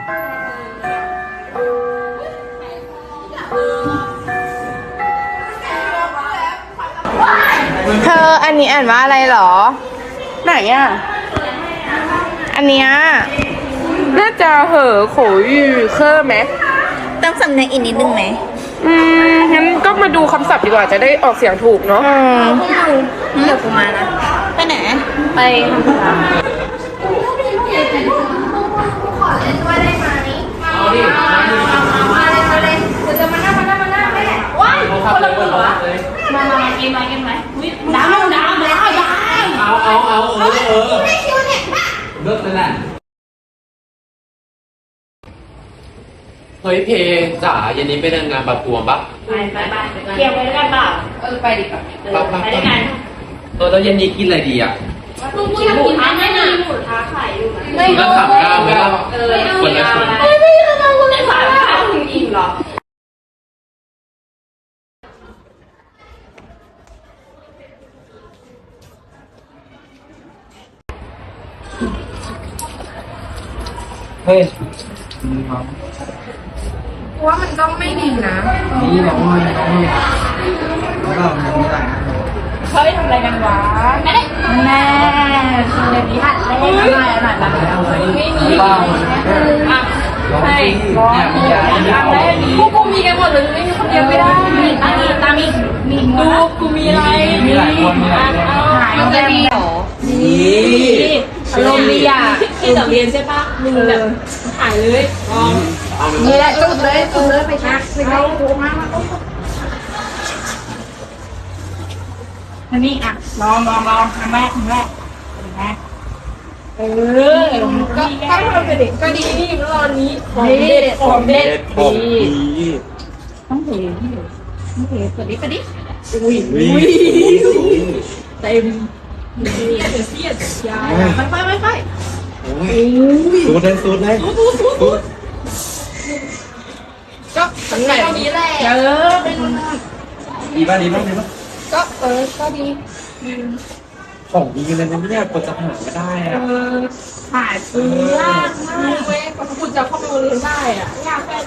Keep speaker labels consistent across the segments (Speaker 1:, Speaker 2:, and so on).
Speaker 1: เธออันนี้อ่านว่าอะไรหรอไหนอ่ะอันเนี้ยน่าจะเหอโขยู่เคอร์ไหม
Speaker 2: ต้องสำเนียงอีกนิดนึงไหม
Speaker 1: งั้นก็มาดูคำศัพท์ดีกว่าจะได้ออกเสียงถูกเนาะ
Speaker 2: เดี๋ยวกูมานะไปไหนไปทำธุระขอเล่นด้วยได้ไหมมาเลยเดี๋ยวจะมานั่งแม่ว้ายคนละหัวมาเกมไหมดาวแล้ว
Speaker 3: เอา
Speaker 2: ไม่คิวเนี่ย
Speaker 3: เลิกเลยแหละเฮ้ยเพจ๋าเย็นนี้ไปเดินงานประท้วงปะ
Speaker 2: ไปเกี่ยวไปด้วยกันเปล่าไปดิไปด้วยกัน
Speaker 3: แล้วเย็นนี้กินอะไรดีอ่ะ
Speaker 2: ลุงกินหมูท้าได้นะหมูท้าขายอยู่นะ
Speaker 3: ไม่ต้องถามก้าวไหมล่ะคนละชุด
Speaker 2: ไม่ทำไมคุณไม่ถามก้าวถึงอิ่มหรอ
Speaker 3: เฮ้ย
Speaker 1: ว่ามันก็ไม่ดีนะ
Speaker 3: นี่เราไม่ได้
Speaker 1: เฮ้ยทำอะไรกันวะ
Speaker 2: แม่คือเดี๋ยวนี้หัดเล่นอะไรไม่มีให้พวกกูมีกันหมดเลยไม่มีคนเดียวไม่ได้ตามีดูกูมีอะไร
Speaker 3: มีหลายคน
Speaker 2: มันจะดีหรอนี่อารมณ์ดีอ่ะที่แต่เรียนใช่ปะมึงแบบถ่ายเลยนี่แหละจุดเลยไปชักไปเอาถูกมาอันนี้อ่ะลองครั้งแรกเห็นไหมก็ทำไปเด็กก็ดีนี่รอบนี้ของเด็ดดีต้องเห็นไปดิอุ้ยเต็มเสียดยาไป
Speaker 3: สูดเลย
Speaker 2: ก็สังเกตนี้แหละเป็น
Speaker 3: ดีป่ะ
Speaker 2: ก็ก็ดี
Speaker 3: ของดีเลยนะเนี่ยกว่าจะหาไม่ได้อะ
Speaker 2: หาซื้อยากมากเว้ยกว่าคุณจะเข้าไปเรียนได้อ่ะยากแค่ไหน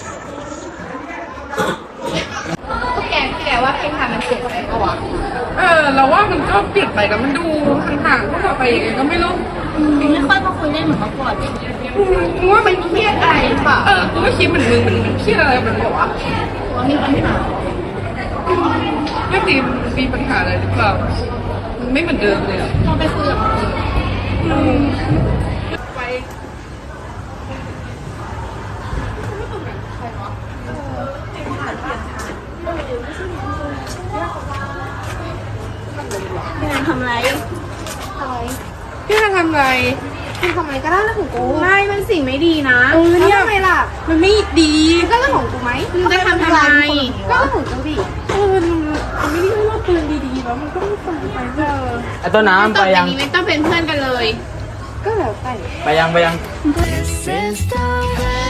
Speaker 2: แกว่าเพลงทำมันเปลี่ยนไปปะวะ
Speaker 1: เราว่ามันก็เปลี่ยนไปแล้วมันดูห่างๆพวกเราไปยังไงก็ไม่รู้
Speaker 2: ไม่ค่อยมาคุยเล่นเหมือนเมื่อก่อน
Speaker 1: มึงว่ามันเครียดอะไรป่ะกูก็คิดเหมือนมึงมันเครียดอะไรมันบอกว่า
Speaker 2: มีปัญหา
Speaker 1: ไม่มีปัญหาอะไรหรือเปล่ามันไม่เหมือนเดิมเลย
Speaker 2: ลองไปคุยกับ
Speaker 1: ไป
Speaker 2: พี่นางทำไร
Speaker 1: พี่นางทำไร
Speaker 2: พี่ทำไรก็ได้เรื่องของกูไม่มันสิ่งไม่ดีนะ
Speaker 1: เนี่ย
Speaker 2: ทำไมล่ะ
Speaker 1: มันไม่ดี
Speaker 2: ก็เรื่องของกูไหมมึงจะทำอะไรก็เรื่องของกูดิ
Speaker 1: มันไม่ได้ว่าปืนดีๆแล้วมันก็ไม่ฟังไป
Speaker 3: ไอ้ต้นน้ำไปยัง
Speaker 2: ไม่ต้องเป็นเพื่อนกันเลยก็แล้ว
Speaker 3: ไปยัง